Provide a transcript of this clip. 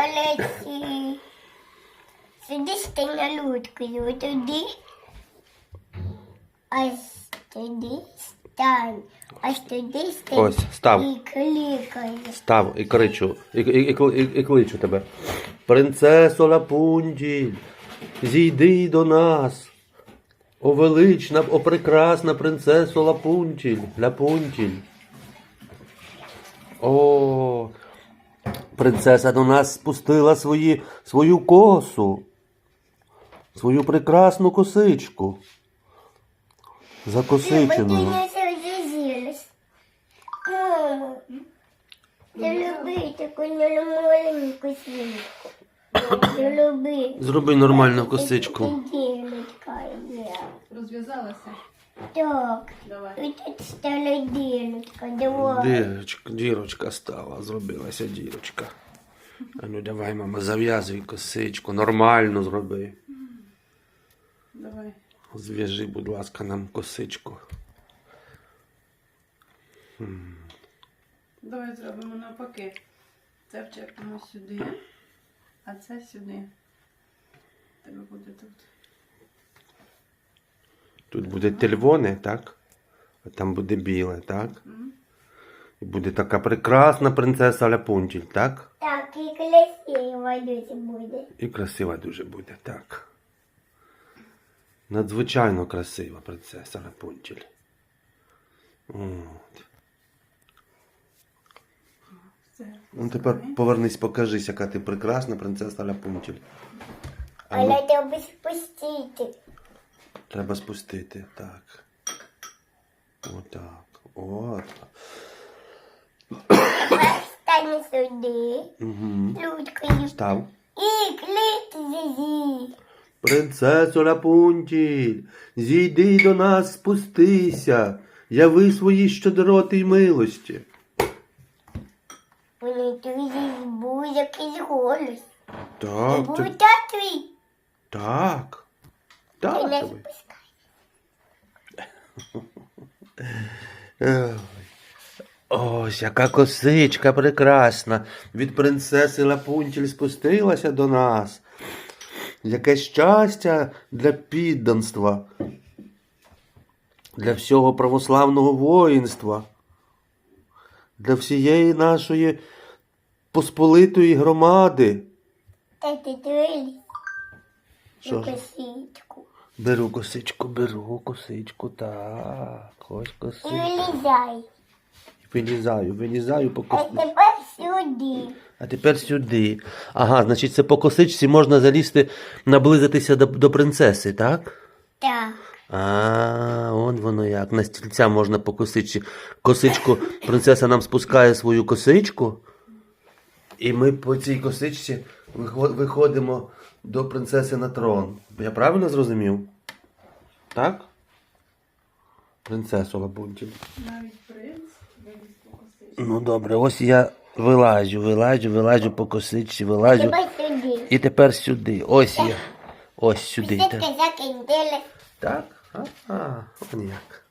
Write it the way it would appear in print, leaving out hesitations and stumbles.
Олесі. Сюди стань на лодкою, туди. Ось туди стань. Ось туди стань. Ось, став. І кликай. Став і кричу, і кличу тебе. Принцесо Лапунтіль, зійди до нас. О велична, о прекрасна принцесо Лапунтіль, Лапунтіль. О, принцеса до нас спустила свою косу, свою прекрасну косичку. Закосиченою. Я люблю таку маленьку сімку. Я люблю. Зроби нормальну косичку. Ділочка є. Розв'язалася? Так. Давай. І тут стала ділочка. Давай. Дірочка стала, зробилася дірочка. А ну давай, мама, зав'язуй косичку, нормально зроби. Давай. Зв'яжи, будь ласка, нам косичку. Давай зробимо навпаки. Це вчепимо сюди, а це сюди. Тебе буде тут. Тут буде червоне, так? А там буде біле, так? І буде така прекрасна принцеса Ляпунтіль, так? Так, і красиво дуже буде. І красива дуже буде, так. Надзвичайно красива принцеса Ляпунтіль. От. Все. Ну тепер повернись, покажись, яка ти прекрасна принцеса Ляпунтіль. Але треба спустити. Треба спустити, так. Отак. От. Стань сюди. Угу. Людкою. Став. І клик зі. Принцесо Ляпунтіль, зійди до нас, спустися, яви свої щедроти й милості. Вони тобі був якийсь голос. Так, Був це... твій. так. Ти Так. не тобі. спускай. Ой. Ось, яка косичка прекрасна. Від принцеси Лапунтіль спустилася до нас. Яке щастя для підданства, для всього православного воїнства, для всієї нашої посполитої громади. Та ти твій. Що ж? Косичку. Беру косичку, так, ось І косичку. вилізай. Вилізаю по А косичку. тепер сюди. А тепер сюди. Ага, значить це по косичці можна залізти, наблизитися до принцеси, так? Так. А, он воно як. На стільця можна по косичці. Косичку, принцеса нам спускає свою косичку. І ми по цій косичці виходимо до принцеси на трон. Я правильно зрозумів? Так? Принцесу Лапунтіль. Навіть принц виліз по косичці. Ну добре, ось я вилазю по косичці, вилазю. Тепер сюди. І тепер сюди. Ось я. Ось сюди. Все Так? закиндили. Так? Он як.